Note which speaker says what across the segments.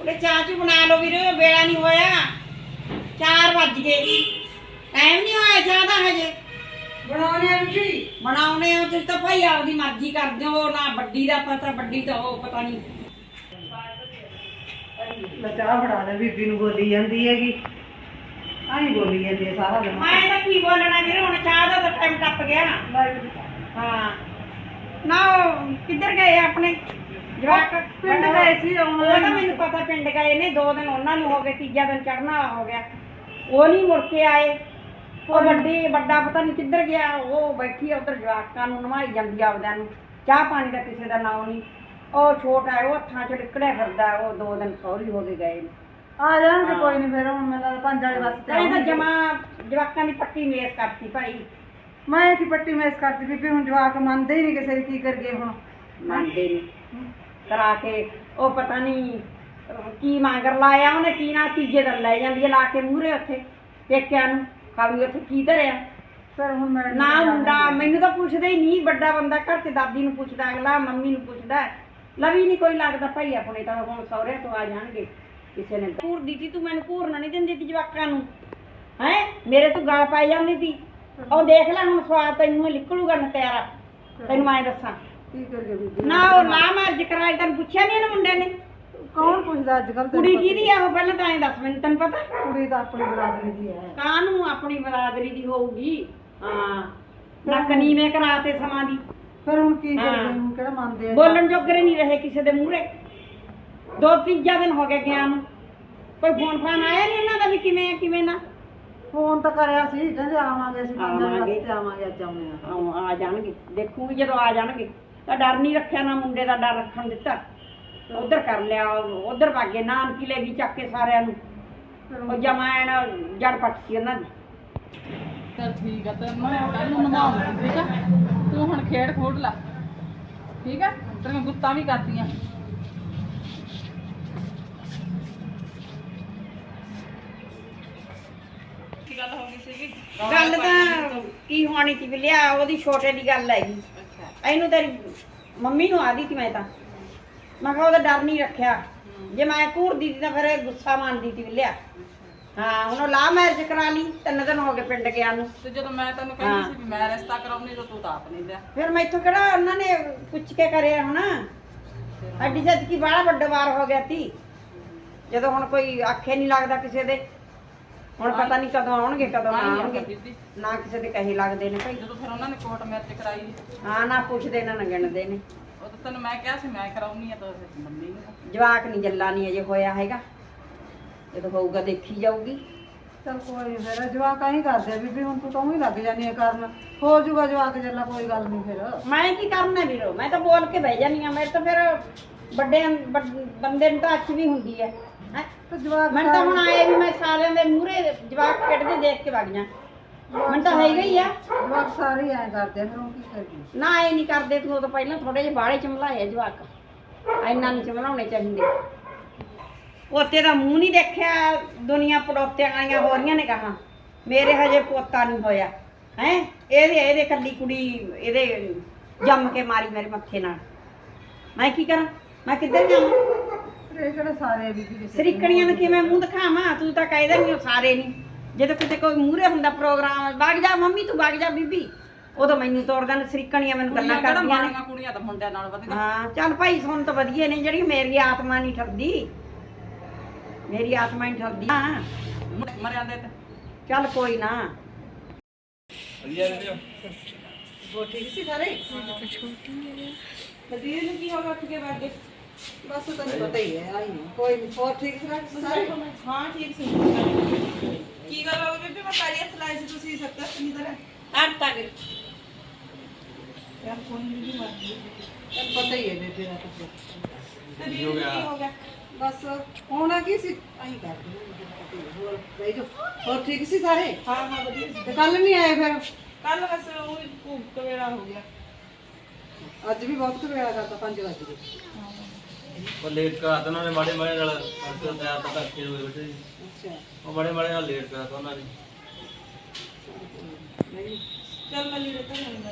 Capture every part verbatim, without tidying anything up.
Speaker 1: ਚਾਹ ਚੂ ਬਣਾ ਲਓ ਵੀਰ, ਵੇਲਾ ਨਹੀਂ ਹੋਇਆ, ਚਾਰ ਵੱਜ ਗਏ, ਟਾਈਮ ਨਹੀਂ ਹੋਇਆ ਚਾਹ ਦਾ ਹਜੇ।
Speaker 2: ਬਣਾਉਣੇ ਆ ਜੀ,
Speaker 1: ਬਣਾਉਣੇ ਆ ਤੁਸੀਂ ਤਾਂ ਭਾਈ ਆਪਦੀ ਮਰਜ਼ੀ ਕਰਦੇ ਹੋ, ਨਾ ਵੱਡੀ ਦਾ ਪਤਾ, ਵੱਡੀ ਤਾਂ ਉਹ ਪਤਾ ਨਹੀਂ।
Speaker 2: ਮੈਂ ਚਾਹ ਬਣਾ ਲੈ, ਬੀਬੀ ਨੂੰ ਬੋਲੀ ਜਾਂਦੀ ਹੈਗੀ, ਆਹੀ ਬੋਲੀ ਜਾਂਦੀ ਹੈ ਸਾਰਾ ਦਿਨ।
Speaker 1: ਮੈਂ ਤਾਂ ਕੀ ਬੋਲਣਾ ਵੀਰ, ਹੁਣ ਚਾਹ ਦਾ ਤਾਂ ਟਾਈਮ ਟੱਪ ਗਿਆ। ਹਾਂ ਨਾ ਉਹ ਕਿੱਧਰ ਗਏ ਆਪਣੇ ਜਵਾਕ?
Speaker 2: ਪਿੰਡ ਗਏ ਸੀ,
Speaker 1: ਉਹ ਤਾਂ ਮੈਨੂੰ ਪਤਾ ਪਿੰਡ ਗਏ ਨੇ, ਦੋ ਦਿਨ ਉਹਨਾਂ ਨੂੰ ਹੋ ਗਏ, ਤੀਜਾ ਦਿਨ ਚੜ੍ਹਨ ਵਾਲਾ ਹੋ ਗਿਆ, ਉਹ ਨਹੀਂ ਮੁੜ ਕੇ ਆਏ। ਉਹ ਵੱਡੀ ਵੱਡਾ ਪਤਾ ਨਹੀਂ ਕਿੱਧਰ ਗਿਆ, ਉਹ ਬੈਠੀ ਆ ਉੱਧਰ ਜਵਾਕਾਂ ਨੂੰ ਨਵਾਈ ਜਾਂਦੀ ਆਪਦਿਆਂ ਨੂੰ, ਚਾਹ ਪਾਣੀ ਦਾ ਕਿਸੇ ਦਾ ਨਾਮ ਨਹੀਂ। ਉਹ ਛੋਟਾ ਹੈ, ਉਹ ਹੱਥਾਂ 'ਚ ਲਿਕੜਿਆ ਫਿਰਦਾ, ਉਹ ਦੋ ਦਿਨ ਸਹੁਰੀ ਹੋ ਕੇ ਗਏ ਨੇ।
Speaker 2: ਆ ਜਾਣਗੇ ਕੋਈ ਨਹੀਂ, ਫਿਰ ਹੁਣ ਮੈਨੂੰ ਪੰਜ ਵਾਲੇ ਵਾਸਤੇ
Speaker 1: ਤਾਂ ਜਮਾ ਜਵਾਕਾਂ ਦੀ ਪੱਟੀ ਮੇਸ ਕਰਤੀ ਭਾਈ।
Speaker 2: ਮੈਂ ਕੀ ਪੱਟੀ ਮੇਸ ਕਰਤੀ ਬੀਬੀ, ਹੁਣ ਜਵਾਕ ਮੰਨਦੇ ਹੀ ਨਹੀਂ ਕਿਸੇ ਦੀ, ਕੀ ਕਰੀਏ ਹੁਣ?
Speaker 1: ਮੰਨਦੇ ਨਹੀਂ ਕਰਾ ਕੇ, ਉਹ ਪਤਾ ਨਹੀਂ ਕੀ ਮੰਗਰ ਲਾਇਆ ਉਹਨੇ, ਕੀ ਨਾ ਤੀਜੇ ਦਿਨ ਲੈ ਜਾਂਦੀ ਹੈ ਲਾ ਕੇ ਮੂਹਰੇ ਉੱਥੇ ਪੇਕਿਆਂ ਨੂੰ, ਖਾਲੀ ਉੱਥੇ ਕੀ ਧਰਿਆ।
Speaker 2: ਫਿਰ ਹੁਣ ਮੈਂ
Speaker 1: ਨਾ ਮੁੰਡਾ ਮੈਨੂੰ ਤਾਂ ਪੁੱਛਦਾ ਹੀ ਨਹੀਂ, ਵੱਡਾ ਬੰਦਾ ਘਰ 'ਚ ਦਾਦੀ ਨੂੰ ਪੁੱਛਦਾ, ਅਗਲਾ ਮੰਮੀ ਨੂੰ ਪੁੱਛਦਾ, ਲਵੀ ਨਹੀਂ ਕੋਈ ਲੱਗਦਾ ਭਾਈ ਆਪਣੇ। ਤਾਂ ਹੁਣ ਸਹੁਰਿਆਂ ਤੋਂ ਆ ਜਾਣਗੇ, ਕਿਸੇ ਨੇ ਘੂਰ ਦਿੱਤੀ, ਤੂੰ ਮੈਨੂੰ ਘੂਰਨਾ ਨਹੀਂ ਦਿੰਦੀ ਤੀ ਜਵਾਕਾਂ ਨੂੰ, ਹੈਂ ਮੇਰੇ ਤੋਂ ਗਾਲ ਪਾਈ ਜਾਂਦੀ ਤੀ। ਉਹ ਦੇਖ ਲੈ ਹੁਣ ਸਵਾਦ ਤੈਨੂੰ ਨਿਕਲੂਗਾ ਨਤਿਆਰਾ, ਤੈਨੂੰ ਮੈਂ ਦੱਸਾਂ।
Speaker 2: ਕੀ ਕਰੀਏ ਬੀਬੀ?
Speaker 1: ਨਾ ਉਹ ਨਾ ਮਰਜ ਕਰਾਈ, ਤੈਨੂੰ ਪੁੱਛਿਆ ਨਹੀਂ ਇਹਨੇ ਮੁੰਡੇ ਨੇ?
Speaker 2: ਕੌਣ ਪੁੱਛਦਾ ਅੱਜ ਕੱਲ?
Speaker 1: ਕੁੜੀ ਕਿਹਦੀ ਆ ਉਹ ਪਹਿਲਾਂ ਤਾਂ ਐਂ ਦੱਸ ਮੈਨੂੰ, ਤੈਨੂੰ ਪਤਾ?
Speaker 2: ਕੁੜੀ ਤਾਂ ਆਪਣੀ ਬਰਾਦਰੀ ਦੀ ਹੈ।
Speaker 1: ਕਾਹਨੂੰ ਆਪਣੀ ਬਰਾਦਰੀ ਦੀ ਹੋਊਗੀ? ਹਾਂ ਨੱਕ ਨੀਵੇਂ ਕਰਾਤੇ ਸਮਾਂ ਦੀ।
Speaker 2: ਫਿਰ ਹੁਣ ਕੀ ਕਰੀਏ, ਹੁਣ ਕਿਹੜਾ ਮੰਨਦੇ ਆ?
Speaker 1: ਬੋਲਣ ਜੋਗਰੇ ਨਹੀਂ ਰਹੇ ਕਿਸੇ ਦੇ ਮੂਹਰੇ। ਦੋ ਤੀਜਾ ਦਿਨ ਹੋ ਗਿਆ ਗਿਆ ਨੂੰ, ਕੋਈ ਫੋਨ ਫਾਨ ਆਇਆ ਨਹੀਂ ਇਹਨਾਂ ਦਾ ਵੀ ਕਿਵੇਂ ਆ ਕਿਵੇਂ ਨਾ?
Speaker 2: ਫੋਨ ਤਾਂ ਕਰਿਆ ਸੀ, ਕਹਿੰਦੇ ਆਵਾਂਗੇ ਅਸੀਂ ਪੰਜ ਵਾਲੇ
Speaker 1: ਆਵਾਂਗੇ।
Speaker 2: ਵਾਸਤੇ ਆਵਾਂਗੇ, ਅੱਜ ਆਉਣੇ ਆ।
Speaker 1: ਆ ਆ ਜਾਣਗੇ, ਦੇਖੂਗੀ ਜਦੋਂ ਆ ਜਾਣਗੇ। ਤਾਂ ਡਰ ਨਹੀਂ ਰੱਖਿਆ, ਨਾ ਮੁੰਡੇ ਦਾ ਡਰ ਰੱਖਣ ਦਿੱਤਾ। ਉਧਰ ਕਰ ਲਿਆ, ਉਧਰ ਭਾਗੇ, ਨਾਨਕੀ ਲੈ ਗਈ ਚੱਕ ਕੇ ਸਾਰਿਆਂ ਨੂੰ, ਉਹ ਜਮਾਇਣ ਜੜ ਪੱਟਤੀ ਉਹਨਾਂ ਦੀ।
Speaker 3: ਚਲ ਠੀਕ ਆ, ਤੇ ਮੈਂ ਕੱਲ ਨੂੰ ਨਵਾਉਂਗੀ, ਠੀਕ ਆ? ਤੂੰ ਹੁਣ ਖੇਡ ਖੋਡ ਲਾ, ਠੀਕ ਆ? ਤੇਰੀਆਂ ਗੁੱਤਾਂ ਵੀ ਕਰਦੀਆਂ। ਕੀ ਗੱਲ ਹੋ ਗਈ ਸੀਗੀ?
Speaker 1: ਗੱਲ ਤਾਂ ਕੀ ਹੋਣੀ ਸੀ ਵੀ ਲਿਆ, ਉਹਦੀ ਛੋਟੇ ਦੀ ਗੱਲ ਹੈਗੀ। ਇਹਨੂੰ ਤੇਰੀ ਮੰਮੀ ਨੂੰ ਆਦੀ ਸੀ ਮੈਂ ਤਾਂ, ਮੈਂ ਕਿਹਾ ਉਹਦਾ ਡਰ ਨਹੀਂ ਰੱਖਿਆ, ਜੇ ਮੈਂ ਘੂਰਦੀ ਸੀ ਤਾਂ ਫਿਰ ਇਹ ਗੁੱਸਾ ਮੰਨਦੀ ਸੀ ਵੀ ਲਿਆ। ਹਾਂ ਹੁਣ ਉਹ ਲਾ ਮੈਰਿਜ ਕਰਾ ਲਈ, ਤਿੰਨ ਦਿਨ ਹੋ ਗਏ ਪਿੰਡ ਗਿਆ ਨੂੰ।
Speaker 3: ਤੇ ਜਦੋਂ ਮੈਂ ਤੈਨੂੰ ਕਹਿੰਦੀ ਸੀ ਵੀ ਮੈਂ ਰਿਸ਼ਤਾ ਕਰਾਉਣੀ, ਤਾਂ ਤੂੰ ਤਾਂ ਆਪ ਨਹੀਂ ਲਿਆ।
Speaker 1: ਫਿਰ ਮੈਥੋਂ ਕਿਹੜਾ ਉਹਨਾਂ ਨੇ ਪੁੱਛ ਕੇ ਕਰਿਆ ਹੁਣ? ਅੱਡੀ ਸੱਚ ਕੀ ਬਾਹਲਾ ਵੱਡਾ ਵਾਰ ਹੋ ਗਿਆ ਸੀ, ਜਦੋਂ ਹੁਣ ਕੋਈ ਆਖੇ ਨਹੀਂ ਲੱਗਦਾ ਕਿਸੇ ਦੇ। ਹੁਣ ਪਤਾ ਨਹੀਂ ਕਦੋਂ ਆਉਣਗੇ ਕਦੋਂ ਨਾ ਆਉਣਗੇ, ਨਾ ਕਿਸੇ ਦੇ ਕਹੇ ਲੱਗਦੇ ਨੇ ਭਾਈ।
Speaker 3: ਜਦੋਂ ਫਿਰ ਉਹਨਾਂ ਨੇ ਕੋਰਟ ਮੈਰਿਜ ਕਰਾਈ,
Speaker 1: ਹਾਂ ਨਾ ਪੁੱਛਦੇ ਨਾ ਗਿਣਦੇ ਨੇ।
Speaker 3: ਉਹ ਤਾਂ ਤੈਨੂੰ ਮੈਂ ਕਿਹਾ ਸੀ ਮੈਂ ਕਰਾਉਣੀ ਆ, ਤਾਂ ਮੰਨੀ ਨਹੀਂ।
Speaker 1: ਜਵਾਕ ਨਹੀਂ ਜੱਲਾ ਨਹੀਂ ਅਜੇ ਹੋਇਆ ਹੈਗਾ, ਜਦੋਂ ਹੋਊਗਾ ਦੇਖੀ ਜਾਊਗੀ।
Speaker 2: ਚਲ ਕੋਈ ਨੀ, ਫਿਰ ਜਵਾਕ ਹੀ ਕਰਦੇ ਆ ਬੀਬੀ, ਹੁਣ ਤੂੰ ਤਾਂ ਹੀ ਲੱਗ ਜਾਨੀ ਆ ਕਰਨ, ਹੋ ਜਾਊਗਾ ਜਵਾਕ ਜੱਲਾ, ਕੋਈ ਗੱਲ ਨਹੀਂ। ਫਿਰ
Speaker 1: ਮੈਂ ਕੀ ਕਰਨਾ ਵੀਰੋ, ਮੈਂ ਤਾਂ ਬੋਲ ਕੇ ਬਹਿ ਜਾਨੀ ਆ। ਮੇਰੇ ਤਾਂ ਫਿਰ ਵੱਡੇ ਬੰਦੇ ਨੂੰ ਤਾਂ ਅੱਛ ਵੀ ਹੁੰਦੀ ਹੈ।
Speaker 2: ਤੇ ਜਵਾਕ
Speaker 1: ਮੈਨੂੰ ਤਾਂ ਹੁਣ ਆਏ ਵੀ ਮੈਂ ਸਾਰਿਆਂ ਦੇ ਮੂਹਰੇ ਜਵਾਕ ਖੇਡਦੇ ਦੇਖ ਕੇ ਵਗ ਜਾ, ਮੈਨੂੰ ਤਾਂ ਹੈਗਾ ਹੀ ਆ।
Speaker 2: ਜਵਾਕ ਸਾਰੇ ਐਂ ਕਰਦੇ ਆ, ਫਿਰ ਹੁਣ ਕੀ ਕਰੀਏ?
Speaker 1: ਨਾ ਇਹ ਨਹੀਂ ਕਰਦੇ, ਤੂੰ ਉਦੋਂ ਪਹਿਲਾਂ ਥੋੜੇ ਜਿਹੇ ਬਾਹਲੇ ਚਮਲਾਏ ਜਵਾਕ, ਇੰਨਾ ਨਹੀਂ ਚਮਲਾਉਣੇ ਚਾਹੀਦੇ। ਪੋਤੇ ਦਾ ਮੂੰਹ ਨਹੀਂ ਦੇਖਿਆ, ਦੁਨੀਆ ਪੜੋਤਿਆਂ ਵਾਲੀਆਂ ਹੋ ਰਹੀਆਂ ਨੇ ਕਹਾ, ਮੇਰੇ ਹਜੇ ਪੋਤਾ ਨਹੀਂ ਹੋਇਆ ਹੈ। ਇਹਦੇ ਇਹਦੇ ਕੱਲੀ ਕੁੜੀ ਇਹਦੇ ਜੰਮ ਕੇ ਮਾਰੀ ਮੇਰੇ ਮੱਥੇ ਨਾਲ, ਮੈਂ ਕੀ ਕਰਾਂ? ਮੈਂ ਕਿੱਧਰ ਜਾਵਾਂ?
Speaker 2: ਇਹ ਕਿਹੜੇ ਸਾਰੇ ਬੀਬੀ?
Speaker 1: ਸਰੀਕਣੀਆਂ ਨੂੰ ਕਿਵੇਂ ਮੂੰਹ ਦਿਖਾਵਾਂ? ਤੂੰ ਤਾਂ ਕਹਿਦਾ ਨਹੀਂ ਉਹ ਸਾਰੇ ਨਹੀਂ, ਜਦੋਂ ਕਿਤੇ ਕੋਈ ਮੂਹਰੇ ਹੁੰਦਾ ਪ੍ਰੋਗਰਾਮ, ਵਗ ਜਾ ਮੰਮੀ ਤੂੰ ਵਗ ਜਾ ਬੀਬੀ, ਉਦੋਂ ਮੈਨੂੰ ਤੋੜਦਾ ਨੇ ਸਰੀਕਣੀਆਂ, ਮੈਨੂੰ ਗੱਲਾਂ ਕਰਦੀਆਂ ਨੇ।
Speaker 3: ਕੁੜੀਆਂ ਤਾਂ ਮੁੰਡਿਆਂ ਨਾਲ ਵਧੀਆ।
Speaker 1: ਹਾਂ ਚੱਲ ਭਾਈ ਸੁਣ ਤਾਂ ਵਧੀਆ ਨੇ, ਜਿਹੜੀ ਮੇਰੀ ਆਤਮਾ ਨਹੀਂ ਠਰਦੀ, ਮੇਰੀ ਆਤਮਾ ਨਹੀਂ ਠਰਦੀ। ਹਾਂ
Speaker 3: ਮਰਿਆ ਦੇ ਤੇ
Speaker 1: ਚੱਲ ਕੋਈ ਨਾ।
Speaker 2: ਉਹ ਠੀਕ ਸੀ ਸਾਰੇ?
Speaker 3: ਵਧੀਆ ਨੂੰ ਕੀ ਹੋ ਗਿਆ, ਉੱਠ ਕੇ ਬੈਠ ਗਏ?
Speaker 2: ਬਸ ਤੈਨੂੰ ਪਤਾ ਹੀ ਹੈ, ਆਈ ਨਹੀਂ। ਕੋਈ ਨਹੀਂ, ਹੋਰ ਠੀਕ ਸੀ ਸਾਰੇ?
Speaker 3: ਹਾਂ ਠੀਕ ਸੀ। ਕੀ ਗੱਲ ਹੋ ਗਈ ਬੀਬੀ? ਮੈਂ ਪੈਰੀ ਹੱਥ ਲਾਏ ਸੀ, ਤੁਸੀਂ ਸਕਦਾ ਨਹੀਂ ਤਰ੍ਹਾਂ
Speaker 1: ਹਟ ਤੱਕ
Speaker 3: ਯਾਰ ਕੋਈ ਨਹੀਂ ਮਰ ਗਈ।
Speaker 2: ਤੈਨੂੰ ਪਤਾ ਹੀ ਹੈ ਬੇਬੇ ਦਾ ਕੁਝ।
Speaker 3: ਤੇ ਕੀ ਹੋ ਗਿਆ?
Speaker 2: ਬਸ ਹੋਣਾ ਕੀ ਸੀ, ਆਈ ਕਰਦੇ ਹੋਰ ਬਈ ਜੋ। ਹੋਰ ਠੀਕ ਸੀ ਸਾਰੇ?
Speaker 3: ਹਾਂ ਹਾਂ ਵਧੀਆ ਸੀ।
Speaker 2: ਤੇ ਕੱਲ ਨਹੀਂ ਆਏ ਫਿਰ?
Speaker 3: ਕੱਲ ਬਸ ਉਹ ਭੂਖ ਵੇਲਾ ਹੋ ਗਿਆ।
Speaker 2: ਅੱਜ ਵੀ ਬਹੁਤ ਵੇਲਾ ਕਰਤਾ, ਪੰਜ ਵਜੇ ਗਏ।
Speaker 4: ਉਹ ਲੇਟ ਕਰਾ ਤਾ ਉਹਨਾਂ ਨੇ, ਮਾੜੇ ਮਾੜੇ ਨਾਲ ਕਰਕੇ ਤਿਆਰ ਤਾਂ ਕਰਕੇ ਹੋਏ ਬੈਠੇ ਸੀ।
Speaker 2: ਅੱਛਾ
Speaker 4: ਉਹ ਮਾੜੇ ਮਾੜੇ ਨਾਲ ਲੇਟ ਕਰਾ ਤਾ ਉਹਨਾਂ ਨੇ।
Speaker 3: ਚੱਲ ਮੈਂ ਲੀੜੇ ਤਾਂ ਨਹੀਂ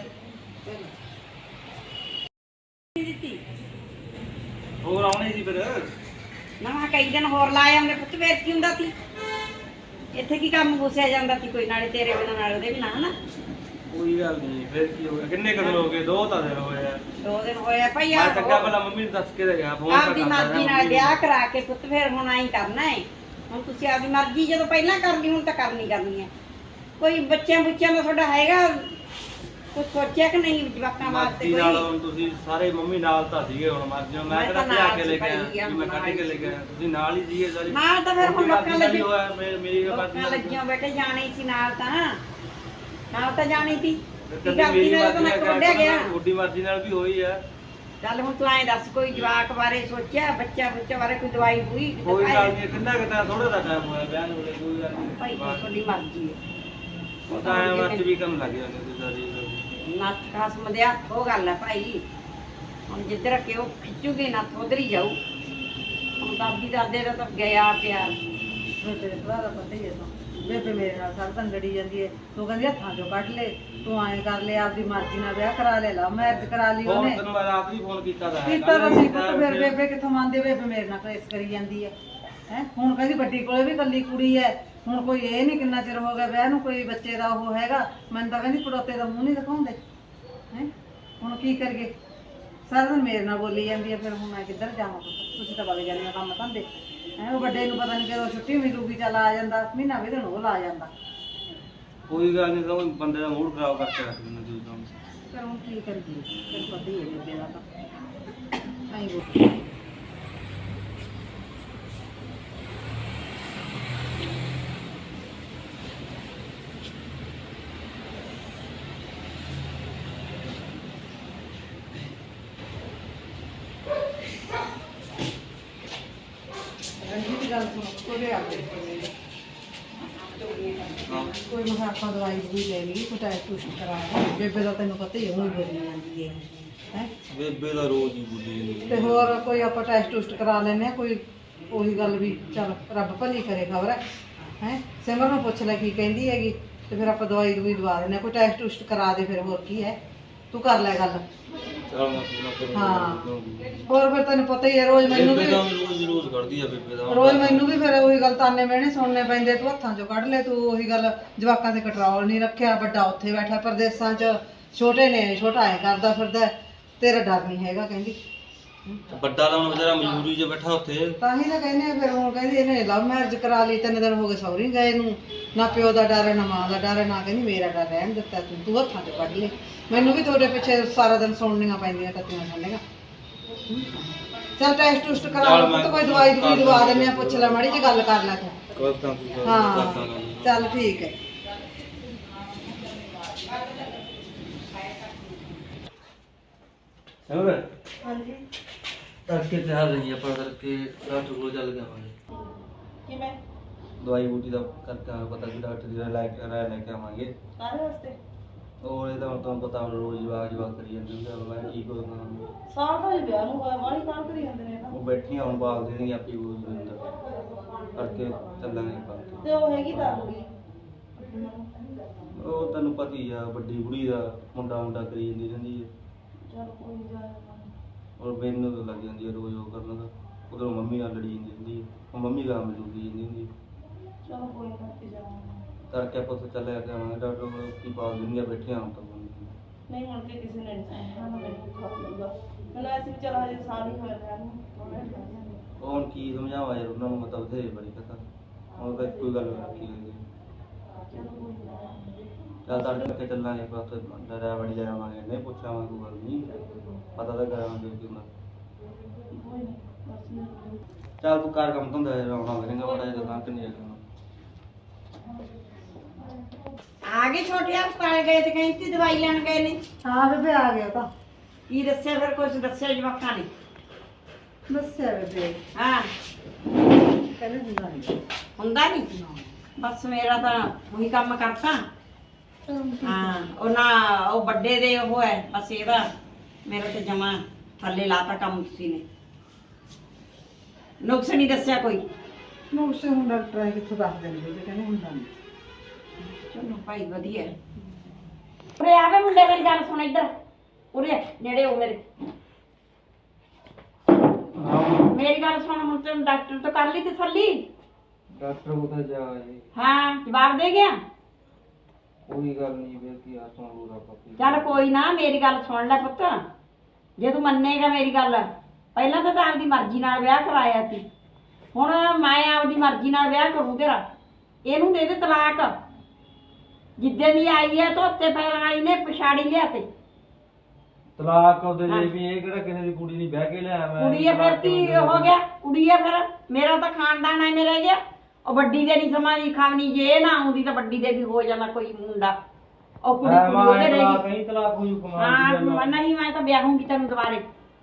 Speaker 1: ਦਿੱਤੀ
Speaker 4: ਹੋਰ ਆਉਣੇ ਸੀ ਫਿਰ।
Speaker 1: ਨਾ ਮੈਂ ਕਈ ਦਿਨ ਹੋਰ ਲਾ ਆਉਂਦੇ ਪੁੱਤ, ਫੇਰ ਕੀ ਹੁੰਦਾ ਸੀ? ਇੱਥੇ ਕੀ ਕੰਮ ਗੁੱਸਿਆ ਜਾਂਦਾ ਸੀ ਕੋਈ, ਨਾਲੇ ਤੇਰੇ ਬਿਨਾਂ ਨਾਲੇ ਉਹਦੇ ਬਿਨਾਂ, ਹਨਾ?
Speaker 4: ਕੋਈ ਗੱਲ ਨਹੀਂ, ਫਿਰ ਕੀ ਹੋ ਗਿਆ? ਕਿੰਨੇ ਕਦੋਂ ਹੋ ਗਏ? ਦੋ ਤਾਂ ਦਿਨ ਹੋਏ ਆ।
Speaker 1: ਦੋ ਦਿਨ ਹੋਇਆ ਭਾਈ।
Speaker 4: ਮੈਂ ਚੰਗਾ ਭਲਾ ਮੰਮੀ ਨੂੰ ਦੱਸ ਕੇ ਤੇ ਗਿਆ, ਫੋਨ ਤਾਂ
Speaker 1: ਆਪਦੀ
Speaker 4: ਕਰਦਾ ਰਿਹਾ
Speaker 1: ਮਰਜ਼ੀ ਨਾਲ
Speaker 4: ਮੰਮੀ
Speaker 1: ਵਿਆਹ
Speaker 4: ਨੂੰ।
Speaker 1: ਕਰਾ ਕੇ ਪੁੱਤ ਫੇਰ ਹੁਣ ਆਈ ਕਰਨਾ ਹੈ। ਹੁਣ ਤੁਸੀਂ ਆਪਦੀ ਮਰਜ਼ੀ ਜਦੋਂ ਪਹਿਲਾਂ ਕਰਨੀ, ਹੁਣ ਤਾਂ ਕਰਨੀ ਕਰਨੀ ਹੈ। ਕੋਈ ਬੱਚਿਆਂ ਬੁੱਚਿਆਂ ਦਾ ਤੁਹਾਡਾ ਹੈਗਾ ਕੁਝ ਸੋਚਿਆ ਕਿ ਨਹੀਂ ਜਵਾਕਾਂ ਵਾਸਤੇ?
Speaker 4: ਮਰਜ਼ੀ ਨਾਲ
Speaker 1: ਕੋਈ
Speaker 4: ਹੁਣ ਤੁਸੀਂ ਸਾਰੇ ਮੰਮੀ ਨਾਲ ਤਾਂ ਸੀਗੇ, ਹੁਣ ਮਰਜ਼ੀ ਨਾਲ ਮੈਂ
Speaker 1: ਮੈਂ
Speaker 4: ਕਿਹੜਾ
Speaker 1: ਤਾਂ
Speaker 4: ਲਿਆ
Speaker 1: ਨਾਲ
Speaker 4: ਕੇ ਲੈ ਕੇ
Speaker 1: ਸੀ
Speaker 4: ਆਇਆ,
Speaker 1: ਭਾਈ,
Speaker 4: ਮੈਂ ਕੱਢ ਕੇ ਲੈ ਕੇ ਆਇਆ, ਤੁਸੀਂ ਨਾਲ ਹੀ ਸੀਗੇ ਸਾਰੇ।
Speaker 1: ਨਾਲ ਤਾਂ ਫਿਰ ਹੁਣ ਲੋਕਾਂ
Speaker 4: ਲੱਗੀ
Speaker 1: ਲੱਗੀ
Speaker 4: ਹੋਇਆ, ਮੇਰੀ ਮੇਰੀ ਮਰਜ਼ੀ
Speaker 1: ਲੋਕਾਂ
Speaker 4: ਨਾਲ
Speaker 1: ਲੱਗੀਆਂ ਬੈਠੇ ਜਾਣੇ ਸੀ ਨਾਲ, ਤਾਂ ਨਾਲ ਤਾਂ ਜਾਣੀ ਸੀ। ਕੀ
Speaker 4: ਕਦੀ
Speaker 1: ਕਰਦੀ
Speaker 4: ਮੇਰੀ
Speaker 1: ਮੈਂ ਤਾਂ
Speaker 4: ਮਰਜ਼ੀ
Speaker 1: ਮੈਂ
Speaker 4: ਨਾਲ
Speaker 1: ਕੱਢਿਆ ਗਿਆ।
Speaker 4: ਤੁਹਾਡੀ ਮਰਜ਼ੀ ਨਾਲ ਵੀ ਹੋਈ ਆ।
Speaker 1: ਚੱਲ ਹੁਣ ਤੂੰ ਐਂ ਦੱਸ, ਕੋਈ ਜਵਾਕ ਬਾਰੇ ਸੋਚਿਆ, ਬੱਚਾ ਬੱਚਾ ਬਾਰੇ ਕੋਈ ਦਵਾਈ ਹੋਈ?
Speaker 4: ਕੋਈ ਗੱਲ ਨਹੀਂ, ਕਿੰਨਾ ਕਿਤਾ ਥੋੜਾ ਦਾ ਟਾਈਮ ਹੋਇਆ ਵਿਆਹ ਨੂੰ, ਕੋਈ ਗੱਲ
Speaker 1: ਭਾਈ
Speaker 4: ਨਹੀਂ।
Speaker 1: ਤੁਹਾਡੀ ਮਰਜ਼ੀ ਹੈ।
Speaker 4: ਉਹ ਤਾਂ ਐਂ ਵਰਤ ਵੀ ਕਰਨ ਲੱਗ ਜਾਂਦੇ ਤੁਸੀਂ ਸਾਰੀ।
Speaker 1: ਨੱਥ ਖਸਮ ਦੇ ਹੱਥ, ਉਹ ਗੱਲ ਹੈ ਭਾਈ। ਹੁਣ ਜਿੱਧਰ ਕਿ ਉਹ ਖਿੱਚੂਗੀ ਨੱਥ ਉਧਰ ਹੀ ਜਾਊ। ਹੁਣ ਦਾਦੀ ਦਾਦੇ ਦਾ ਤਾਂ ਗਿਆ ਪਿਆ।
Speaker 2: ਮੈਂ ਤੇਰੇ ਭਰਾ ਦਾ ਪਤਾ ਹੀ ਹੈ ਤਾਂ ਬੇਬੇ ਮੇਰੇ ਨਾਲ ਸਾਰਾ ਦਿਨ ਲੜੀ ਜਾਂਦੀ ਹੈ। ਤੂੰ ਕਹਿੰਦੀ ਹੱਥਾਂ ਚੋਂ ਕੱਢ ਲੈ, ਤੂੰ ਐਂ ਕਰ ਲੈ, ਆਪਦੀ ਮਰਜ਼ੀ ਨਾਲ ਵਿਆਹ ਕਰਾ ਲੈ, ਲਾ ਮੈਰਿਜ ਕਰਾ ਲਈ
Speaker 4: ਫੋਨ
Speaker 2: ਉਹਨੇ
Speaker 4: ਤੈਨੂੰ ਮੈਂ ਰਾਤ ਵੀ ਫੋਨ ਕੀਤਾ ਤਾਂ ਹੈ।
Speaker 2: ਕੀਤਾ ਤਾਂ ਸੀ ਪੁੱਤ। ਫਿਰ ਬੇਬੇ ਕਿੱਥੋਂ ਮੰਨਦੀ? ਬੇਬੇ ਮੇਰੇ ਨਾਲ ਕਲੇਸ਼ ਕਰੀ ਜਾਂਦੀ ਹੈ ਹੈ ਹੁਣ ਕਹਿੰਦੀ ਵੱਡੀ ਕੋਲੇ ਵੀ ਇਕੱਲੀ ਕੁੜੀ ਹੈ। ਹੁਣ ਕੋਈ ਇਹ ਨਹੀਂ ਕਿੰਨਾ ਚਿਰ ਹੋ ਗਿਆ ਵਿਆਹ ਨੂੰ, ਕੋਈ ਬੱਚੇ ਦਾ ਉਹ ਹੈਗਾ। ਮੈਨੂੰ ਤਾਂ ਕਹਿੰਦੀ ਪੜੋਤੇ ਦਾ ਮੂੰਹ ਨਹੀਂ ਦਿਖਾਉਂਦੇ ਹੈ। ਹੁਣ ਕੀ ਕਰੀਏ? ਸਾਰਾ ਦਿਨ ਮੇਰੇ ਨਾਲ ਬੋਲੀ ਜਾਂਦੀ ਹੈ। ਫਿਰ ਹੁਣ ਮੈਂ ਕਿੱਧਰ ਜਾਵਾਂ? ਤੁਸੀਂ ਤਾਂ ਵਗ ਜਾਂਦੇ ਹੋ ਕੰਮ ਧੰਦੇ ਹੈ। ਉਹ ਵੱਡੇ ਨੂੰ ਪਤਾ ਨਹੀਂ ਕਦੋਂ ਛੁੱਟੀ ਮਿਲੂਗੀ, ਚੱਲ ਆ ਜਾਂਦਾ, ਮਹੀਨਾ ਵੀ ਦਿਨ ਉਹ ਲਾ ਜਾਂਦਾ।
Speaker 4: ਕੋਈ ਗੱਲ ਨਹੀਂ, ਤਾਂ ਬੰਦੇ ਦਾ ਮੂਡ ਖਰਾਬ ਕਰਕੇ ਰੱਖ ਦਿੰਦੇ ਤੁਸੀਂ ਕੰਮ।
Speaker 2: ਫਿਰ ਹੁਣ ਕੀ ਕਰੀਏ? ਫਿਰ ਪਤਾ ਹੀ ਹੈ ਬੇਬੇ ਦਾ ਤਾਂ ਐਂ ਬੋਲ। ਰਣਜੀਤ ਗੱਲ ਸੁਣ, ਕੋਲੇ ਆ ਕੇ ਕੋਈ ਮੈਂ ਆਪਾਂ ਦਵਾਈ ਵੀ ਲੈ ਲਈ, ਕੋਈ ਟੈਸਟ ਟੂਸਟ ਕਰਾ ਕੇ। ਬੇਬੇ ਦਾ ਤੈਨੂੰ ਪਤਾ ਹੀ ਹੈ, ਉਹ ਬੋਲੀ ਜਾਂਦੀ ਹੈ ਹੈ
Speaker 4: ਬੇਬੇ ਦਾ ਰੋਜ਼ ਹੀ ਬੁੱਲੀ ਜਾਂਦੀ
Speaker 2: ਤੇ ਹੋਰ ਕੋਈ ਆਪਾਂ ਟੈਸਟ ਟੂਸਟ ਕਰਾ ਲੈਂਦੇ ਆ। ਕੋਈ ਉਹੀ ਗੱਲ ਵੀ ਚੱਲ ਰੱਬ ਭਲੀ ਕਰੇ, ਖਬਰ ਹੈ ਹੈ ਸਿਮਰ ਨੂੰ ਪੁੱਛ ਲੈ ਕੀ ਕਹਿੰਦੀ ਹੈਗੀ, ਤੇ ਫਿਰ ਆਪਾਂ ਦਵਾਈ ਦਵਾਈ ਦਵਾ ਦਿੰਦੇ ਆ। ਕੋਈ ਟੈਸਟ ਟੂਸਟ ਕਰਾ ਦੇ, ਫਿਰ ਹੋਰ ਕੀ ਹੈ। ਤੂੰ ਕਰ ਲੈ ਗੱਲ।
Speaker 4: ਚਲ ਮੈਂ ਪੂਰਾ ਕਰੂੰ।
Speaker 2: ਹਾਂ ਹੋਰ ਫਿਰ ਤੈਨੂੰ ਪਤਾ ਹੀ ਹੈ, ਰੋਜ਼ ਮੈਨੂੰ ਵੀ
Speaker 4: ਬੇਬੇ ਦਾ ਰੋਜ਼ ਹੀ ਰੋਜ਼ ਕਰਦੀ ਆ ਬੇਬੇ ਦਾ।
Speaker 2: ਰੋਜ਼ ਮੈਨੂੰ ਵੀ ਫਿਰ ਉਹੀ ਗੱਲ ਤਾਨੇ ਮਿਹਣੇ ਸੁਣਨੇ ਪੈਂਦੇ। ਤੂੰ ਹੱਥਾਂ ਚੋਂ ਕੱਢ ਲੈ, ਤੂੰ ਉਹੀ ਗੱਲ ਜਵਾਕਾਂ ਤੇ ਕੰਟਰੋਲ ਨਹੀਂ ਰੱਖਿਆ। ਵੱਡਾ ਉੱਥੇ ਬੈਠਾ ਪ੍ਰਦੇਸਾਂ 'ਚ, ਛੋਟੇ ਨੇ ਛੋਟਾ ਐ ਕਰਦਾ ਫਿਰਦਾ, ਤੇਰਾ ਡਰ ਨਹੀਂ ਹੈਗਾ ਕਹਿੰਦੀ।
Speaker 4: ਵੱਡਾ ਤਾਂ ਹੁਣ ਵਿਚਾਰਾ ਮਜ਼ਦੂਰੀ 'ਚ ਬੈਠਾ ਉੱਥੇ।
Speaker 2: ਤਾਂ ਹੀ ਤਾਂ ਕਹਿੰਦੇ ਆ। ਫਿਰ ਹੁਣ ਕਹਿੰਦੀ ਇਹਨੇ ਲਵ ਮੈਰਿਜ ਕਰਾ ਲਈ, ਤਿੰਨ ਦਿਨ ਹੋ ਗਏ ਸਹੁਰੀ ਗਏ ਨੂੰ, ਨਾ ਪਿਓ ਦਾ ਡਰ ਹੈ ਨਾ ਮਾਂ ਦਾ ਡਰ ਹੈ, ਨਾ ਕਹਿੰਦੀ ਮੇਰਾ ਡਰ ਰਹਿਣ ਦਿੱਤਾ ਤੂੰ ਤੂੰ ਹੱਥਾਂ 'ਚ ਕੱਢ ਲੈ। ਮੈਨੂੰ ਵੀ ਤੁਹਾਡੇ ਪਿੱਛੇ ਸਾਰਾ ਦਿਨ ਸੁਣਨੀਆਂ ਪੈਂਦੀਆਂ ਕੱਤੀਆਂ ਸੁਣਨੀਆਂ। ਚੱਲ ਟੈਸਟ ਟੂਸਟ ਕਰਾ ਲਓ ਪੁੱਤ, ਕੋਈ ਦਵਾਈ ਦਵਾਈ ਦਵਾ ਦਿੰਦੇ ਆ। ਪੁੱਛ ਲੈ ਮਾੜੀ ਜਿਹੀ ਗੱਲ ਕਰ ਲੈ ਤੂੰ।
Speaker 4: ਕਰਦਾ ਤੂੰ
Speaker 2: ਹਾਂ ਚੱਲ ਠੀਕ ਹੈ।
Speaker 4: ਸਮਝ
Speaker 2: ਹਾਂਜੀ
Speaker 4: ਤੜਕੇ ਤੇ ਆ ਰਹੀ ਆਪਾਂ ਕਰਕੇ ਡਾਕਟਰ ਕੋਲ ਚੱਲ ਜਾਵਾਂਗੇ।
Speaker 2: ਕਿਵੇਂ?
Speaker 4: ਦਵਾਈ ਬੂਟੀ ਦਾ ਕਰਕੇ ਆਵਾਂਗੇ, ਪਤਾ ਕਿ ਡਾਕਟਰ ਦੀ ਰਾਏ ਰਾਏ ਲੈ ਕੇ ਆਵਾਂਗੇ।
Speaker 2: ਕਾਹਦੇ ਵਾਸਤੇ?
Speaker 4: ਉਹ ਇਹ ਤਾਂ ਹੁਣ ਤੁਹਾਨੂੰ ਪਤਾ ਰੋਜ਼ ਜਵਾਕ ਜਵਾਕ ਕਰੀ ਜਾਂਦੇ ਹੁੰਦੇ ਆ, ਮੈਂ ਕੀ ਕਰਦਾ।
Speaker 2: ਸਾਲ ਦਾ ਹੀ ਵਿਆਹ ਨੂੰ ਹੋਇਆ, ਵਾਲੀ ਕਾਲ ਕਰੀ ਜਾਂਦੇ ਨੇ।
Speaker 4: ਉਹ ਬੈਠੀਆਂ ਹੁਣ ਬਾਲ ਦੇਣਗੇ ਆਪੀ ਕੋਈ ਅੰਦਰ ਕਰਕੇ ਚੱਲਾਂਗੇ ਬਾਕੀ।
Speaker 2: ਤੇ ਉਹ ਹੈਗੀ ਤਾਂ ਕੁੜੀ,
Speaker 4: ਉਹ ਤੈਨੂੰ ਪਤਾ ਹੀ ਆ, ਵੱਡੀ ਕੁੜੀ ਦਾ ਮੁੰਡਾ ਮੁੰਡਾ ਕਰੀ ਜਾਂਦੀ ਰਹਿੰਦੀ ਹੈ।
Speaker 2: ਚਲ ਕੋਈ ਜਾ।
Speaker 4: ਔਰ ਮੈਨੂੰ ਤਾਂ ਲੱਗ ਜਾਂਦੀ ਹੈ ਰੋਜ਼ ਉਹ ਕਰਨ ਦਾ। ਉਧਰੋਂ ਮੰਮੀ ਨਾਲ ਲੜੀ ਜਾਂਦੀ ਰਹਿੰਦੀ ਹੈ, ਉਹ ਮੰਮੀ ਗਾਂ ਮੈਨੂੰ ਲੁੱਟੀ ਜਾਂਦੀ ਹੁੰਦੀ ਹੈ।
Speaker 2: ਚਲੋ ਕੋਈ ਨਾ, ਤੇ ਜਾਵਾਂਗੇ।
Speaker 4: ਤੜਕੇ ਆਪਾਂ ਉੱਥੇ ਚੱਲੇ ਕੇ ਆਵਾਂਗੇ, ਡਾਕਟਰ ਕੋਲ ਕੀ ਬਾਲ ਦੇਣਗੀਆਂ ਬੈਠੀਆਂ ਹੁਣ ਤਾਂ।
Speaker 2: ਨਹੀਂ ਹੁਣ ਤੇ ਕਿਸੇ ਨੇ ਨਹੀਂ ਸੁਣਨਾ, ਮੈਨੂੰ ਖਾ ਲੂਗਾ। ਮੈਨੂੰ ਐਸੀ ਵੀ ਚਲ ਹਜੇ ਸਾਲ ਹੀ ਹੋਇਆ ਵਿਆਹ ਨੂੰ।
Speaker 4: ਉਹ ਹੁਣ ਕੀ ਸਮਝਾਵਾਂ ਯਾਰ ਉਹਨਾਂ ਨੂੰ, ਮਤਲਬ ਬਥੇਰੇ ਬੜੀ ਪਤਾ ਹੁਣ ਤਾਂ ਕੋਈ ਗੱਲ ਰੱਖੀ ਹੋਈ ਹੈ। ਚੱਲ ਤੜਕੇ ਉੱਥੇ ਚੱਲਾਂਗੇ ਆਪਾਂ, ਉੱਥੇ ਡਰਿਆ ਵੜੀ ਜਾਵਾਂਗੇ, ਨਹੀਂ ਪੁੱਛਾਂਗੇ ਕੋਈ ਗੱਲ ਨਹੀਂ, ਪਤਾ ਤਾਂ ਕਰਾਂਗੇ ਕਿ ਹੁੰਦਾ। ਚੱਲ ਤੂੰ ਕਰ ਕੰਮ ਧੰਦਾ ਆਉਣਾ ਕਰੇਗਾ ਬੜਾ ਜਿਹਾ ਦੁਕਾਨ ਤੇ ਨਹੀਂ ਜਾਣਾ।
Speaker 1: ਆ ਗਏ ਛੋਟੇ ਹਸਪਤਾਲ ਗਏ ਤੇ ਕਹਿੰਦੀ ਦਵਾਈ ਲੈਣ ਗਏ ਨੇ।
Speaker 2: ਹਾਂ ਬੇਬੇ ਆ ਗਿਆ ਤਾਂ।
Speaker 1: ਕੀ ਦੱਸਿਆ ਫਿਰ? ਕੁਝ ਦੱਸਿਆ ਜਵਾਕਾਂ ਨੇ?
Speaker 2: ਦੱਸਿਆ ਬੇਬੇ
Speaker 1: ਹਾਂ
Speaker 2: ਕਹਿੰਦੇ ਹੁੰਦਾ ਨਹੀਂ।
Speaker 1: ਹੁੰਦਾ ਨਹੀਂ? ਬਸ ਮੇਰਾ ਤਾਂ ਉਹੀ ਕੰਮ ਕਰਤਾ। ਹਾਂ ਉਹ ਨਾ ਉਹ ਵੱਡੇ ਦੇ ਉਹ ਹੈ, ਬਸ ਇਹਦਾ ਮੇਰਾ ਤੇ ਜਮਾ ਥੱਲੇ ਲਾਤਾ ਕੰਮ ਤੁਸੀਂ ਨੇ। ਨੁਕਸ ਨਹੀਂ ਦੱਸਿਆ ਕੋਈ?
Speaker 2: ਨੁਕਸੇ ਹੁਣ ਡਾਕਟਰ ਆਏ ਕਿੱਥੋਂ ਦੱਸ ਦਿੰਦੇ ਤੇ ਕਹਿੰਦੇ ਹੁੰਦਾ ਨਹੀਂ।
Speaker 1: ਚਲੋ ਭਾਈ ਵਧੀਆ। ਉਰੇ ਆਵੇ ਮੁੰਡੇ, ਮੇਰੀ ਗੱਲ ਸੁਣ ਇੱਧਰ, ਉਰੇ ਨੇੜੇ ਹੋ ਮੇਰੇ। ਮੇਰੀ ਗੱਲ ਸੁਣ, ਹੁਣ ਤੈਨੂੰ ਡਾਕਟਰ ਤੋਂ ਕਰ ਲਈ ਤਸੱਲੀ?
Speaker 4: ਡਾਕਟਰ ਕੋਲ ਜਾ ਆਏ,
Speaker 1: ਹਾਂ ਜਵਾਬ ਦੇ ਗਿਆ?
Speaker 4: ਕੋਈ ਗੱਲ ਨਹੀਂ ਫਿਰ ਕੀ ਆ ਸੁਣ ਲੂਗਾ ਪੱਕੀ।
Speaker 1: ਚੱਲ ਕੋਈ ਨਾ, ਮੇਰੀ ਗੱਲ ਸੁਣ ਲੈ ਪੁੱਤ, ਜੇ ਤੂੰ ਮੰਨੇਗਾ ਮੇਰੀ ਗੱਲ। ਪਹਿਲਾਂ ਤਾਂ ਤਾਂ ਆਪਦੀ ਮਰਜ਼ੀ ਨਾਲ ਵਿਆਹ ਕਰਾਇਆ ਸੀ, ਹੁਣ ਮੈਂ ਆਪਦੀ ਮਰਜ਼ੀ ਨਾਲ ਵਿਆਹ ਕਰੂ ਤੇਰਾ। ਇਹਨੂੰ ਦੇ ਦੇ ਤਲਾਕ। ਜਿੱਦੇ ਦੀ ਆਈ ਹੈ ਧੋਤੇ ਪੈਰਾਂ ਵਾਲੀ ਨੇ ਪਛਾੜੀ ਲਿਆ ਤੇ
Speaker 4: ਤਲਾਕ ਉਹਦੇ ਲਈ ਵੀ ਇਹ ਕਿਹੜਾ ਕਿਸੇ ਦੀ ਕੁੜੀ ਨਹੀਂ ਬਹਿ ਕੇ ਲਿਆ ਮੈਂ।
Speaker 1: ਕੁੜੀ ਹੈ ਫਿਰ ਕੀ ਹੋ ਗਿਆ? ਕੁੜੀ ਹੈ ਫਿਰ, ਮੇਰਾ ਤਾਂ ਖਾਨਦਾਨ ਐ ਮੇਰਾ ਗਿਆ। ਉਹ ਵੱਡੀ ਦੇ ਨਹੀਂ ਸਮਾਂ ਖਾਵਣੀ, ਜੇ ਇਹ ਨਾ ਆਉਂਦੀ ਤਾਂ ਵੱਡੀ ਦੇ ਵੀ ਹੋ ਜਾਣਾ ਕੋਈ ਮੁੰਡਾ। ਉਹ ਕੁੜੀ ਕੁੜੀ ਉਹਦੇ ਰਹੇਗੀ।
Speaker 4: ਕਹੀਂ ਤਲਾਕ ਹੋਈ ਕਮਾਲ
Speaker 1: ਹਾਂ
Speaker 4: ਦੀ ਗੱਲ ਆ।
Speaker 1: ਨਹੀਂ, ਮੈਂ ਤਾਂ ਵਿਆਹੂੰਗੀ ਤੈਨੂੰ ਦੁਬਾਰੇ।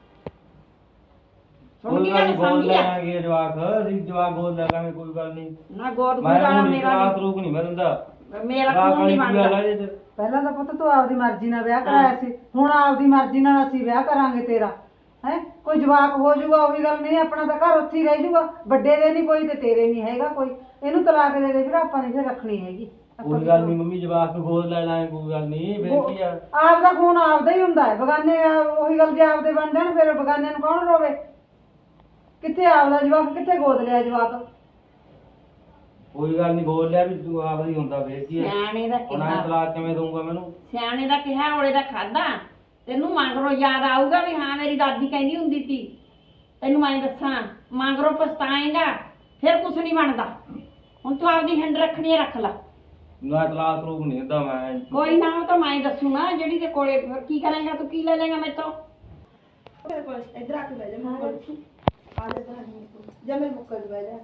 Speaker 1: ਸੁਣ
Speaker 4: ਕੋਈ
Speaker 1: ਗਈ
Speaker 4: ਗੱਲ
Speaker 1: ਗੱਲ?
Speaker 4: ਨੀ, ਬੋਲ
Speaker 1: ਸਮਝ ਗਿਆ
Speaker 4: ਲੈਣਗੇ ਜਵਾਕ, ਅਸੀਂ ਜਵਾਕ ਬੋਲ ਲਾਂਗੇ, ਕੋਈ ਗੱਲ ਨਹੀਂ।
Speaker 1: ਨਾ ਗੋਦ
Speaker 4: ਮੈਂ
Speaker 1: ਗੁਜ਼ਾਰਾ
Speaker 4: ਹੁਣ
Speaker 1: ਮੇਰਾ
Speaker 4: ਤਲਾਕ ਰੂਕ ਨਹੀਂ ਮੈਂ ਦਿੰਦਾ।
Speaker 1: ਨੀ- ਮੇਰਾ
Speaker 4: ਤਲਾਕ
Speaker 1: ਖੂਨ ਨਹੀਂ
Speaker 4: ਵਾਲੀ ਕੀ ਗੱਲ
Speaker 1: ਬਣਦਾ।
Speaker 4: ਆ ਇਹਦੇ ਚ?
Speaker 2: ਪਹਿਲਾਂ ਤਾਂ ਪੁੱਤ ਤੂੰ ਆਪਦੀ ਮਰਜ਼ੀ ਨਾਲ ਵਿਆਹ ਕਰਾਇਆ ਸੀ, ਹੁਣ ਆਪਦੀ ਮਰਜ਼ੀ ਨਾਲ ਅਸੀਂ ਵਿਆਹ ਕਰਾਂਗੇ ਤੇਰਾ। ਹੈ ਕੋਈ ਜਵਾਕ ਹੋ ਜਾਊਗਾ ਉਹੀ ਗੱਲ ਨਹੀਂ, ਆਪਣਾ ਤਾਂ ਘਰ ਉੱਥੇ ਹੀ ਰਹਿ ਜਾਊਗਾ। ਵੱਡੇ ਦੇ ਨਹੀਂ ਕੋਈ ਤੇ ਤੇਰੇ ਨਹੀਂ ਹੈਗਾ ਕੋਈ। ਇਹਨੂੰ ਤਲਾਕ ਦੇ ਦੇ ਫਿਰ, ਆਪਾਂ ਨੇ ਫਿਰ ਰੱਖਣੀ ਹੈਗੀ।
Speaker 4: ਕੋਈ ਗੱਲ ਨਹੀਂ ਮੰਮੀ, ਜਵਾਕ ਗੋਦ ਲੈ ਲਾਂਗੇ, ਕੋਈ ਗੱਲ ਨਹੀਂ। ਫਿਰ ਕੀ ਆ,
Speaker 2: ਆਪਦਾ ਖੂਨ ਆਪਦਾ ਹੀ ਹੁੰਦਾ ਹੈ, ਬਗਾਨੇ ਆ- ਉਹੀ ਗੱਲ ਜੇ ਆਪਦੇ ਬਣ ਜਾਣ ਫਿਰ ਬਗਾਨੇ ਨੂੰ ਕੌਣ ਰੋਵੇ? ਕਿੱਥੇ ਆਪਦਾ ਜਵਾਕ, ਕਿੱਥੇ ਗੋਦ ਲਿਆ ਜਵਾਕ?
Speaker 4: ਕੋਈ ਗੱਲ ਨਹੀਂ, ਬੋਲ ਲਿਆ ਵੀ ਤੂੰ ਆਪ ਹੀ ਹੁੰਦਾ। ਫਿਰ ਕੀ ਆ,
Speaker 1: ਸਿਆਣੇ ਦਾ
Speaker 4: ਹੁਣ
Speaker 1: ਕਿਹਾ
Speaker 4: ਐਂ ਤਲਾਕ ਕਿਵੇਂ ਦਊਂਗਾ ਮੈਨੂੰ?
Speaker 1: ਸਿਆਣੇ ਦਾ ਕਿਹਾ ਔਲੇ ਦਾ ਖਾਦਾ। ਤੈਨੂੰ ਮਗਰੋਂ ਯਾਦ ਆਊਗਾ ਵੀ ਹਾਂ ਮੇਰੀ ਦਾਦੀ ਕਹਿੰਦੀ ਹੁੰਦੀ ਸੀ। ਤੈਨੂੰ ਮੈਂ ਦੱਸਾਂ, ਮਗਰੋਂ ਪਛਤਾਏਗਾ, ਫਿਰ ਕੁਛ ਨਹੀਂ ਬਣਦਾ। ਹੁਣ ਤੂੰ ਆਪਦੀ ਹਿੰਡ ਰੱਖਣੀ ਹੈ, ਰੱਖ ਲੈ।
Speaker 4: ਨਾ ਤਲਾਕ ਰੂਕ ਨਹੀਂ ਦਿੰਦਾ ਮੈਂ।
Speaker 1: ਕੋਈ ਨਾ, ਉਹ ਤਾਂ ਮੈਂ ਦੱਸੂਗਾ ਜਿਹੜੀ ਦੇ ਕੋਲੇ। ਫਿਰ ਕੀ ਕਰੇਗਾ ਤੂੰ? ਕੀ ਲੈ ਲੇਗਾ ਮੈਥੋਂ?
Speaker 5: ਇੱਧਰ ਆ ਕੇ ਬਹਿ ਜਾ ਮੇਰੇ ਕੋਲ। ਆ ਜਾ ਤਾਂ ਜਾ ਮੇਰੇ ਮੁੱਕਲ ਬਹਿ ਜਾ।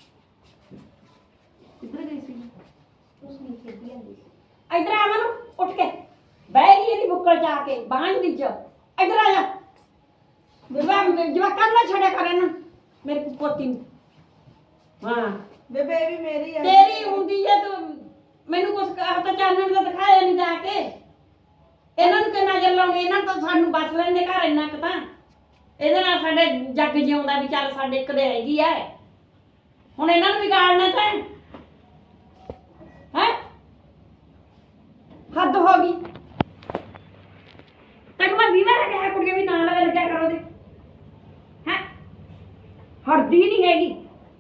Speaker 5: ਕਿੱਧਰ ਗਈ ਸੀ? ਉਸ ਨਹੀਂ ਖੇਡੀ ਜਾਂਦੀ ਸੀ।
Speaker 1: ਇੱਧਰ ਆ ਮਨੂੰ, ਉੱਠ ਕੇ ਬਹਿ ਗਈ ਇਹਦੀ ਬੁੱਕਲ ਚ ਆ ਕੇ ਬਾਂਝ ਦੀ ਚ। ਇੱਧਰ ਆ ਜਾ। ਜਵਾ ਜਵਾਕਾਂ ਨੂੰ ਨਾ ਛੱਡਿਆ ਕਰ ਇਹਨੂੰ, ਮੇਰੀ ਪੋਤੀ ਨੂੰ। ਹਾਂ
Speaker 5: ਬੇਬੇ ਇਹ ਵੀ ਮੇਰੀ ਆ।
Speaker 1: ਤੇਰੀ ਹੁੰਦੀ ਹੈ ਤੂੰ ਮੈਨੂੰ ਕੁਛ ਕਹਾ ਤਾਂ ਚਾਨਣ ਦਾ ਦਿਖਾਇਆ ਨਹੀਂ ਜਾ ਕੇ। ਇਹਨਾਂ ਨੂੰ ਤੇ ਨਜ਼ਰ ਲਾਉਣੀ, ਇਹਨਾਂ ਨੂੰ ਤਾਂ ਸਾਨੂੰ ਬਸ ਲੈਂਦੇ ਘਰ ਇੰਨਾ ਕੁ ਤਾਂ। ਇਹਦੇ ਨਾਲ ਸਾਡੇ ਜੱਗ ਜਿਉਂਦਾ ਵੀ ਚੱਲ ਸਾਡੇ ਇੱਕ ਦੇ ਹੈਗੀ ਐ। ਹੁਣ ਇਹਨਾਂ ਨੂੰ ਵਿਗਾੜਨਾ ਤਾਂ ਹੈ। ਹੱਦ ਹੋ ਗਈ। ਤੈਨੂੰ ਮੈਂ ਵੀਹ ਵਾਰ ਕਿਹਾ ਕੁੜੀਆਂ ਵੀ ਨਾਲ ਲਵੇ ਲੱਗਿਆ ਕਰੋ ਦੇ। ਹੈ ਹੜਦੀ ਨਹੀਂ ਹੈਗੀ।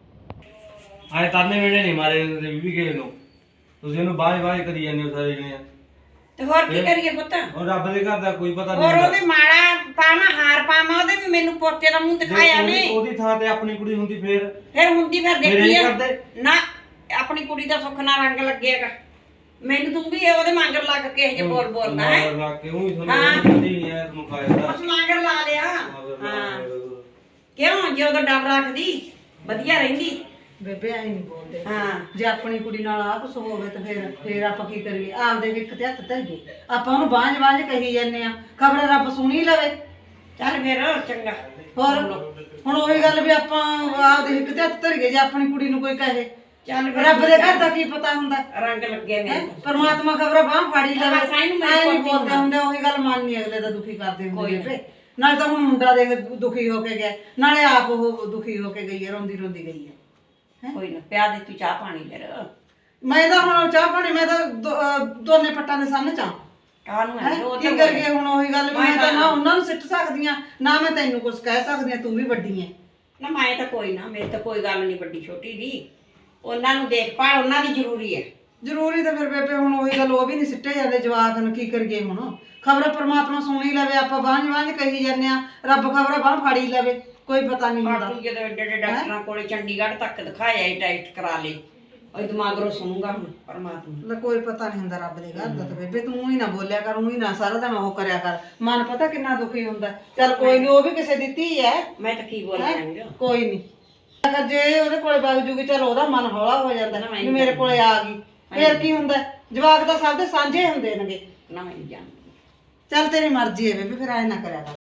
Speaker 4: ਆਏ ਤਾਨੇ ਵੇੜੇ ਨਹੀਂ ਮਾਰੇ ਇਹਦੇ ਬੀਬੀ ਕਿਸੇ ਨੂੰ। ਤੁਸੀਂ ਇਹਨੂੰ ਬਾਝ ਬਾਝ ਕਰੀ ਜਾਂਦੇ ਹੋ ਸਾਰੇ ਜਣੇ।
Speaker 1: ਤੇ ਹੋਰ ਕੀ ਕਰੀਏ ਪੁੱਤ?
Speaker 4: ਉਹ ਰੱਬ ਦੇ ਘਰ ਦਾ ਕੋਈ ਪਤਾ ਨਹੀਂ
Speaker 1: ਹੋਰ
Speaker 4: ਹੁੰਦਾ।
Speaker 1: ਉਹਦੇ ਮਾੜਾ ਪਾਵਾਂ ਹਾਰ ਪਾਵਾਂ, ਉਹਦੇ ਵੀ ਮੈਨੂੰ ਪੋਤੇ ਦਾ ਮੂੰਹ ਦਿਖਾਇਆ
Speaker 4: ਉਹਦੀ-
Speaker 1: ਨਹੀਂ।
Speaker 4: ਉਹਦੀ ਥਾਂ ਤੇ ਆਪਣੀ ਕੁੜੀ ਹੁੰਦੀ ਫੇਰ
Speaker 1: ਫਿਰ ਹੁੰਦੀ ਫਿਰ
Speaker 4: ਮੇਰੇ
Speaker 1: ਦੇਖੀ
Speaker 4: ਨਹੀਂ
Speaker 1: ਆ
Speaker 4: ਕਰਦੇ।
Speaker 1: ਨਾ ਆਪਣੀ ਕੁੜੀ ਦਾ ਸੁੱਖ ਨਾਲ ਰੰਗ ਲੱਗੇਗਾ। ਮੈਨੂੰ ਤੂੰ ਵੀ ਉਹਦੇ ਮਗਰ ਲੱਗ ਕੇ ਇਹ ਜੇ ਬੋਲ ਬੋਲਦਾ ਹੈ।
Speaker 4: ਮਗਰ ਲੱਗ ਕੇ ਉਹੀ
Speaker 1: ਹਾਂ।
Speaker 4: ਤੁਹਾਨੂੰ ਕਦੀ ਨਹੀਂ ਆਇਆ ਤੁਹਾਨੂੰ ਖਾਇਆ
Speaker 1: ਉਸ ਮਗਰ ਲਾ ਲਿਆ। ਹਾਂ ਕਿਉਂ? ਜੇ ਉਹਦਾ ਡਰ ਰੱਖਦੀ ਵਧੀਆ ਰਹਿੰਦੀ।
Speaker 2: ਬੇਬੇ ਐ ਨਹੀਂ ਬੋਲਦੇ।
Speaker 1: ਹਾਂ
Speaker 2: ਜੇ ਆਪਣੀ ਕੁੜੀ ਨਾਲ ਆਹ ਕੁਛ ਹੋਵੇ ਤਾਂ ਫਿਰ ਫਿਰ ਆਪਾਂ ਕੀ ਕਰੀਏ? ਆਪਦੇ ਇੱਕ ਤੇ ਹੱਥ ਧਰ ਗਏ ਆਪਾਂ ਉਹਨੂੰ ਬਾਂਝ ਬਾਂਝ ਕਹੀ ਜਾਂਦੇ ਆ। ਖਬਰ ਰੱਬ ਸੁਣੀ ਲਵੇ।
Speaker 1: ਚੱਲ ਫਿਰ ਚੰਗਾ।
Speaker 2: ਹੋਰ ਹੁਣ ਉਹੀ ਗੱਲ ਵੀ ਆਪਾਂ ਆਪਦੇ ਇੱਕ ਤੇ ਹੱਥ ਧਰ ਗਏ ਜੇ ਆਪਣੀ ਕੁੜੀ ਨੂੰ ਕੋਈ ਕਹੇ।
Speaker 1: ਚੱਲ ਫਿਰ
Speaker 2: ਰੱਬ ਦੇ ਘਰ ਦਾ ਕੀ ਪਤਾ ਹੁੰਦਾ?
Speaker 1: ਰੰਗ ਲੱਗੇ
Speaker 2: ਹੈਂ?
Speaker 1: ਮੇਰੇ।
Speaker 2: ਪਰਮਾਤਮਾ ਖਬਰ ਬਾਂਹ ਫਾੜੀ ਲਵੇ।
Speaker 1: ਬਸ ਐਂ ਨੂੰ ਮੇਰੇ
Speaker 2: ਐਂ ਨਹੀਂ
Speaker 1: ਪੋਤੀ
Speaker 2: ਬੋਲਦੇ
Speaker 1: ਨੂੰ।
Speaker 2: ਹੁੰਦੇ, ਉਹੀ ਗੱਲ ਮੰਨਨੀ ਅਗਲੇ ਦਾ ਦੁਖੀ ਕਰਦੇ ਹੁੰਦੇ
Speaker 1: ਕੋਈ
Speaker 2: ਬੇਬੇ। ਨਾਲੇ ਤਾਂ ਹੁਣ ਮੁੰਡਾ ਦੇਖ ਦੁਖੀ ਹੋ ਕੇ ਗਿਆ, ਨਾਲੇ ਆਪ ਉਹ ਦੁਖੀ ਹੋ ਕੇ ਗਈ ਹੈ, ਰੋਂਦੀ ਰੋਂਦੀ ਗਈ ਹੈ।
Speaker 1: ਕੋਈ ਨਾ ਪਿਆ ਦੇ ਤੂੰ ਚਾਹ ਪਾਣੀ ਫਿਰ।
Speaker 2: ਮੈਂ ਤਾਂ ਹੁਣ ਚਾਹ ਪਾਣੀ ਮੈਂ ਤਾਂ ਦੋ- ਅਹ ਦੋਨੇ ਪੱਟਾਂ ਦੇ ਸਾਹਮਣੇ ਚਾਹ
Speaker 1: ਕਾਹਨੂੰ
Speaker 2: ਹੈਂ?
Speaker 1: ਹੈ ਉਹ
Speaker 2: ਕੀ ਕਰੀਏ ਹੁਣ? ਉਹੀ ਗੱਲ ਵੀ
Speaker 1: ਮੈਂ
Speaker 2: ਮੈਂ ਤਾਂ
Speaker 1: ਤਾਂ-
Speaker 2: ਨਾ ਉਹਨਾਂ ਨੂੰ ਸਿੱਟ ਸਕਦੀ ਆ, ਨਾ ਮੈਂ ਤੈਨੂੰ ਕੁਝ ਕਹਿ ਸਕਦੀ ਆ। ਤੂੰ ਵੀ ਵੱਡੀ ਐ।
Speaker 1: ਨਾ ਮੈਂ ਤਾਂ ਕੋਈ ਨਾ, ਮੇਰੀ ਤਾਂ ਕੋਈ ਗੱਲ ਨਹੀਂ ਵੱਡੀ ਛੋਟੀ ਦੀ। ਉਹਨਾਂ ਨੂੰ ਦੇਖਭਾਲ ਉਹਨਾਂ ਦੀ ਜ਼ਰੂਰੀ ਹੈ।
Speaker 2: ਜ਼ਰੂਰੀ ਤਾਂ ਫਿਰ ਬੇਬੇ ਹੁਣ ਉਹੀ ਗੱਲ, ਉਹ ਵੀ ਨਹੀਂ ਸਿੱਟੇ ਜਾਂਦੇ ਜਵਾਕ ਨੂੰ। ਕੀ ਕਰੀਏ ਹੁਣ? ਖਬਰ ਪਰਮਾਤਮਾ ਸੁਣੀ ਲਵੇ, ਆਪਾਂ ਬਾਂਝ ਬਾਂਝ ਕਹੀ ਜਾਂਦੇ ਆ। ਰੱਬ ਖਬਰ ਬਾਂਹ ਫਾੜੀ ਲਵੇ, ਕੋਈ ਪਤਾ ਨਹੀਂ ਹੁੰਦਾ।
Speaker 1: ਬਾਕੀ ਜਦੋਂ ਏਡੇ ਏਡੇ ਡਾਕਟਰਾਂ ਕੋਲੇ ਚੰਡੀਗੜ੍ਹ ਤੱਕ ਦਿਖਾਇਆ ਹੀ, ਟੈਸਟ ਕਰਾ ਲਏ। ਉਹ ਦਿਮਾਗਰੋਂ ਸੁਣੂਗਾ ਹੁਣ ਪਰਮਾਤਮਾ।
Speaker 2: ਲੈ ਕੋਈ ਪਤਾ ਨਹੀਂ ਹੁੰਦਾ ਰੱਬ ਦੇ ਘਰ ਦਾ ਤਾਂ ਬੇਬੇ। ਤੂੰ ਹੀ ਨਾ ਬੋਲਿਆ ਕਰ, ਊਂ ਹੀ ਨਾ ਸਾਰਾ ਦਿਨ ਉਹ ਕਰਿਆ ਕਰ। ਮਨ ਪਤਾ ਕਿੰਨਾ ਦੁਖੀ ਹੁੰਦਾ। ਚੱਲ ਕੋਈ ਨਹੀਂ, ਉਹ ਵੀ ਕਿਸੇ ਦੀ ਧੀ ਐ।
Speaker 1: ਮੈਂ ਤਾਂ ਕੀ ਬੋਲਾਂ?
Speaker 2: ਕੋਈ ਨਹੀਂ, ਅਗਰ ਜੇ ਉਹਦੇ ਕੋਲੇ ਵਗ ਜੂਗੀ ਚਲ ਉਹਦਾ ਮਨ ਹੌਲਾ ਹੋ ਜਾਂਦਾ ਨਾ ਵੀ ਮੇਰੇ ਕੋਲੇ ਆ ਗਈ। ਫੇਰ ਕੀ ਹੁੰਦਾ? ਜਵਾਕ ਤਾਂ ਸਭ ਦੇ ਸਾਂਝੇ ਹੁੰਦੇ ਨੇਗੇ।
Speaker 1: ਨਾ ਮੈਂ ਨਹੀਂ ਜਾਣਦੀ।
Speaker 2: ਚੱਲ ਤੇਰੀ ਮਰਜ਼ੀ ਹੈ ਬੇਬੇ, ਫਿਰ ਐ ਨਾ ਕਰਿਆ ਕਰ।